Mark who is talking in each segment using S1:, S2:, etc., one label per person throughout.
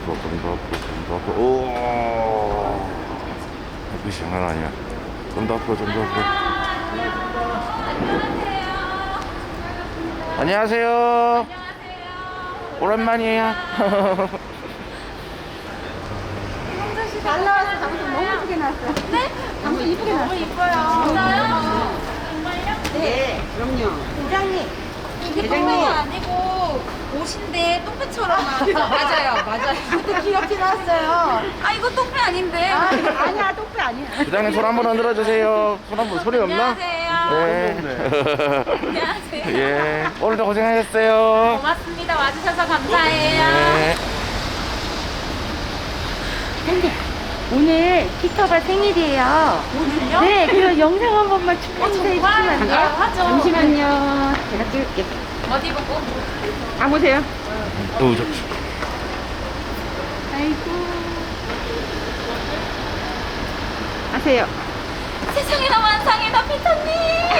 S1: 더 앞으로. 오, 햇빛이 장난 아니야. 좀 더 앞으로, 좀 더 앞으로. 안녕하세요. 오랜만이에요.
S2: 잘 나왔어. 방송 너무 예쁘게 나왔어. 네? 방송 이쁘게 나왔어. 너무 이뻐요.
S3: 진짜요? 정말요?
S2: 네, 그럼요. 부장님.
S3: 이게 똥배가 아니고 옷인데 똥배처럼 나왔어. 맞아요.
S2: 그때 귀엽게 나왔어요.
S3: 아 이거 똥배 아닌데.
S2: 아니야, 똑배 아니야.
S1: 부장님 손 한번 흔들어 주세요. 손 한번 소리 없나?
S3: 안녕하세요.
S1: 네.
S3: 안녕하세요.
S1: 예. 오늘도 고생하셨어요.
S3: 고맙습니다. 와주셔서 감사해요.
S1: 네.
S2: 근데 오늘 피터가 생일이에요.
S3: 오늘요?
S2: 네, 그래서 영상 한 번만 축하해 주시면 안 돼요?
S3: 하죠.
S2: 잠시만요. 제가 찍을게.
S3: 어디 보고?
S2: 가보세요. 아이고. 하세요.
S3: 세상에나 만상에나 피터님.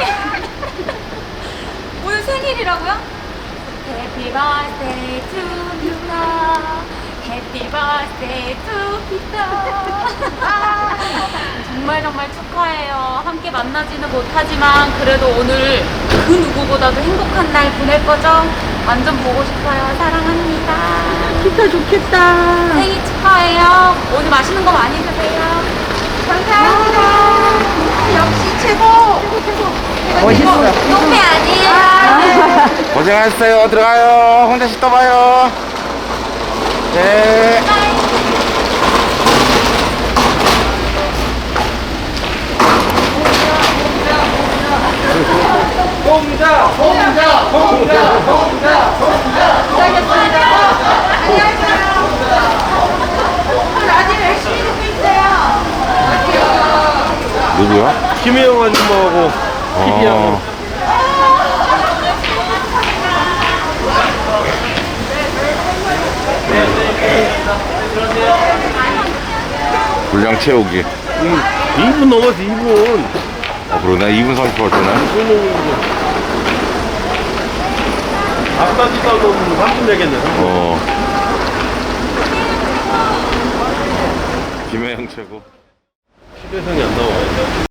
S3: 오늘 생일이라고요? Happy birthday to Peter. Happy birthday to Peter. 정말 축하해요. 함께 만나지는 못하지만 그래도 오늘 그 누구보다도 행복한 날 보낼 거죠? 완전 보고 싶어요. 사랑합니다.
S2: 피터 좋겠다.
S3: 생일 축하해요. 오늘 맛있는 거 많이 드세요.
S2: 감사합니다. 역시 최고.
S1: 멋있어.
S3: 똥배 아니에요.
S1: 고생하셨어요. 들어가요. 홍대씨 또 봐요. 네.
S2: 라디오 열심히 듣고 있어요.
S1: 누구야?
S4: 김혜영 아줌마하고 TV하고
S1: 분량 채우기.
S4: 2분 넘었어 2분.
S1: 그러네. 2분 30분 왔잖아.
S4: 앞까지 떠도 3분 되겠네. 3분.
S1: 김혜영 최고.
S4: 시대성이 안 나와.